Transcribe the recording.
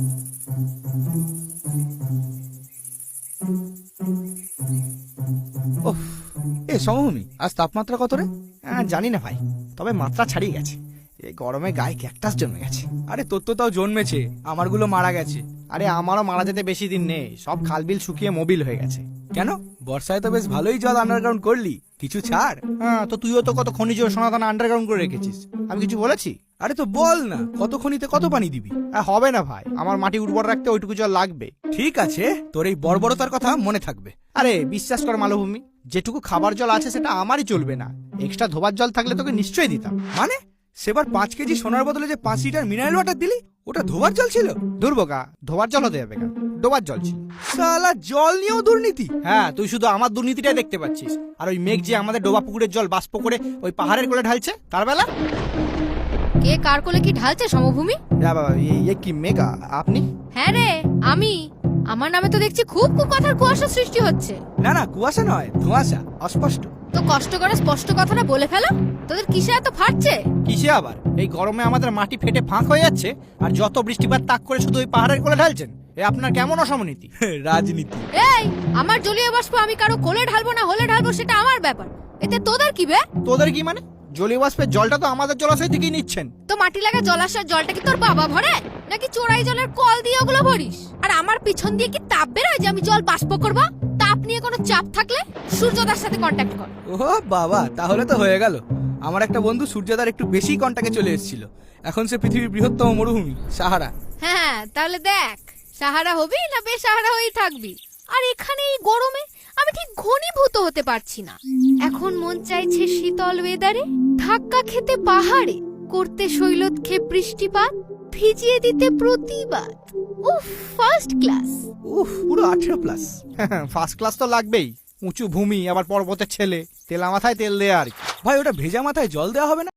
এ সমভূমি, আজ তাপমাত্রা কত রে? জানি না ভাই, তবে মাত্রা ছাড়িয়ে গেছে। এই গরমে গায়ে ক্যাকটাস জন্মে গেছে। আরে তোর তো তাও জন্মেছে, আমারগুলো মারা গেছে। আরে আমারও মারা যেতে বেশি দিন নেই, সব খালবিল শুকিয়ে মোবিল হয়ে গেছে। কেন? বর্ষায় তো বেশ ভালোই জল আন্ডারগ্রাউন্ড করলি, কিছু ছাড়। হ্যাঁ, তো তুইও তো কত খনিজ সোনাদানা আন্ডারগ্রাউন্ড করে রেখেছিস, আমি কিছু বলেছি? আরে তো বল না, কত খনিতে কত পানি দিবি? হবে না ভাই, আমার মাটি উর্বর রাখতে ওইটুকু জল লাগবে। ঠিক আছে, তোর এই বর্বরতার কথা মনে থাকবে। আরে বিশ্বাস কর মালভূমি, যেটুকু খাবার জল আছে সেটা আমারই চলবে না, এক্সট্রা ধোবার জল থাকলে তোকে নিশ্চয়ই দিতাম। মানে সেবার 5 কেজি সোনার বদলে যে 5 লিটার মিনারেল ওয়াটার দিলি, ওটা ধোবার জল ছিল? দুর্বোকা, ধোবার জল হতে যাবে কেন, ডোবার জল ছিল। শালা জল নিয়েও দুর্নীতি? হ্যাঁ, তুই শুধু আমার দুর্নীতিটাই দেখতে পাচ্ছিস, আর ওই মেঘ যে আমাদের ডোবা পুকুরের জল বাষ্প করে ওই পাহাড়ের কোলে ঢালছে, তার বেলা কে কার কোলে কি ঢালছে সমভূমি? কি মেঘা আপনি? হ্যাঁ রে, আমি। আমার নামে তো দেখছি খুব কথার কুয়াশা সৃষ্টি হচ্ছে। না না, কুয়াশা নয়, ধোঁয়াশা, অস্পষ্ট। তো কষ্ট করে স্পষ্ট কথাটা বলে ফেলো। তোদের কিসে এত ফাটছে? কিসে আবার? এই গরমে আমাদের মাটি ফেটে ফাঁক হয়ে যাচ্ছে, আর যত বৃষ্টিপাত তাক করে শুধু ওই পাহাড়ের কোলে ঢালছেন। এ আপনার কেমন অসমনীতি? রাজনীতি। এই, আমার জলীয় বাষ্প আমি কারো কোলে ঢালবো না হলে ঢালবো সেটা আমার ব্যাপার, এতে তোদের কি বে? তোদের কি মানে? জলীয় বাষ্পের জলটা তো আমাদের জলাশয় থেকেই নিচ্ছেন। তো মাটি লাগা জলাশয়ের জলটা কি তোর বাবা ভরে, নাকি চোরাই জলের কল দিয়ে ওগুলো ভরিস? আর আমার পিছন দিয়ে কি তাপ বেরোয় যে আমি জল বাষ্প করবো? তাপ নিয়ে কোনো চাপ থাকলে সূর্যদার সাথে কন্ট্যাক্ট কর। ও বাবা, তাহলে তো হয়ে গেল। আমার একটা বন্ধু সূর্যদার একটু বেশি কন্টাক্টে চলে এসেছিল, এখন সে পৃথিবীর বৃহত্তম মরুভূমি সাহারা। হ্যাঁ, তাহলে দেখ, সাহারা হবি না বেসাহারা হয়েই থাকবি। আর এখানে এই গরমে আমি ঠিক ঘনীভূত হতে পারছি না। এখন মন চাইছে শীতল ওয়েদারে ধাক্কা খেতে পাহাড়ে, করতে শৈলতক্ষে বৃষ্টিপাত, ভিজিয়ে দিতে প্রতিবাদ। উফ, ফার্স্ট ক্লাস। পুরো 18+। ফার্স্ট ক্লাস তো লাগবেই, উঁচু ভূমি, আবার পর্বতের ছেলে, তেলা মাথায় তেল দেয়া আর কি। ভাই, ওটা ভেজা মাথায় জল দেওয়া হবে না?